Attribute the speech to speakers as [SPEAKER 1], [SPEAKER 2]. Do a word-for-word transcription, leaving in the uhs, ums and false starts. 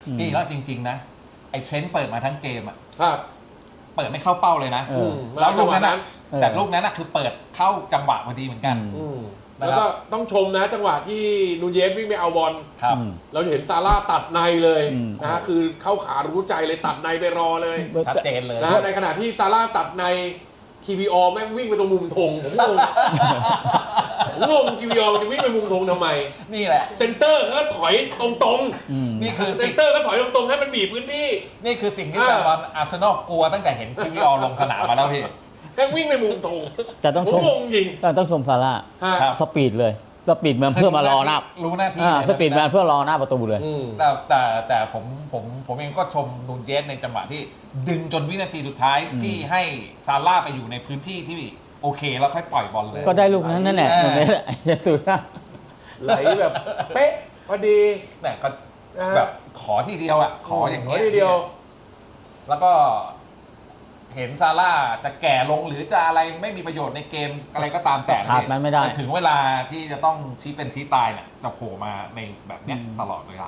[SPEAKER 1] พี่แล้วจริงๆนะไอ้เทรนต์เปิดมาทั้งเกมอ่ะ
[SPEAKER 2] ครับ
[SPEAKER 1] เปิดไม่เข้าเป้าเลยนะ
[SPEAKER 3] เออ
[SPEAKER 1] แล้วลูกนั้นนะ
[SPEAKER 3] เออ
[SPEAKER 1] แต่ลูกนั้นนะคือเปิดเข้าจังหวะพอดีเหมือนกัน
[SPEAKER 2] อืม
[SPEAKER 1] นะครับ
[SPEAKER 2] แล้วก็ต้องชมนะจังหวะที่นูเยสวิ่งไปเอาบอล
[SPEAKER 1] ครับ
[SPEAKER 3] อืม
[SPEAKER 2] เราจะเห็นซาร่าตัดในเลย
[SPEAKER 3] อืม
[SPEAKER 2] นะฮะคือเข้าขารู้ใจเลยตัดในไปรอเลย
[SPEAKER 1] ชัดเจนเลย
[SPEAKER 2] นะฮะในขณะที่ซาร่าตัดในคีวีออแม่งวิ่งไปตรงมุมธงผมงงผมงงคีวีออมันจะวิ่งไปมุมธงทำไม
[SPEAKER 1] นี่แหละ
[SPEAKER 2] เซนเตอร์ก็ถอยตรง
[SPEAKER 3] อืม
[SPEAKER 1] นี่คือ
[SPEAKER 2] ๆเซ
[SPEAKER 1] สิ่
[SPEAKER 2] น
[SPEAKER 1] ง
[SPEAKER 2] เตอร์ก็ถอยตรงๆให้มันบีบพื้นที่
[SPEAKER 1] นี่คือสิ่งที่
[SPEAKER 2] อ่า
[SPEAKER 1] แฟนบอลอาร์เซนอลกลัวตั้งแต่เห็นคิวิออลงสนามมาแล้วพี่
[SPEAKER 2] แม่งวิ่งไปมุมธง
[SPEAKER 3] แต่ต้อง
[SPEAKER 2] ผม
[SPEAKER 3] ชม
[SPEAKER 2] งงจริง
[SPEAKER 3] แต่ต้องชมซาร่า
[SPEAKER 2] ฮะ
[SPEAKER 1] ครับ
[SPEAKER 3] สปีดเลยสปีดมันเพื่อมารอหน้า
[SPEAKER 1] รู้หน้าที่
[SPEAKER 3] อ่า
[SPEAKER 1] เลยนะ
[SPEAKER 3] สปีดมันเพื่อรอหน้าประตูเลย
[SPEAKER 2] อืม
[SPEAKER 1] แต่แต่แต่ผมผมผมเองก็ชมนูนเยสในจังหวะที่ดึงจนวินาทีสุดท้าย
[SPEAKER 3] อืม
[SPEAKER 1] ที่ให้ซาร่าไปอยู่ในพื้นที่ที่โอเคแล้วค่อยปล่อยบอลเลย
[SPEAKER 3] ก็ได้ลูกนั้นนั่นแหละ
[SPEAKER 1] เออ
[SPEAKER 3] ตรงนี้แหละสุดท้าย
[SPEAKER 2] ไหลแบบเป๊ะพอดี
[SPEAKER 1] แต่ก็
[SPEAKER 2] นะฮะ
[SPEAKER 1] แบบขอทีเดียวอ่ะขออย่าง
[SPEAKER 2] ข
[SPEAKER 1] เงี้
[SPEAKER 2] อย ทีเดียว
[SPEAKER 1] แล้วก็เห็นซาร่าจะแก่ลงหรือจะอะไรไม่มีประโยชน์ในเกมอะไรก็ตามแต่
[SPEAKER 3] ขาดมันไม่ได้
[SPEAKER 1] แต่ถึงเวลาที่จะต้องชี้เป็นชี้ตายเนี่ยจะโผล่มาในแบบเนี้ย
[SPEAKER 3] อืม
[SPEAKER 1] ตลอดเวลา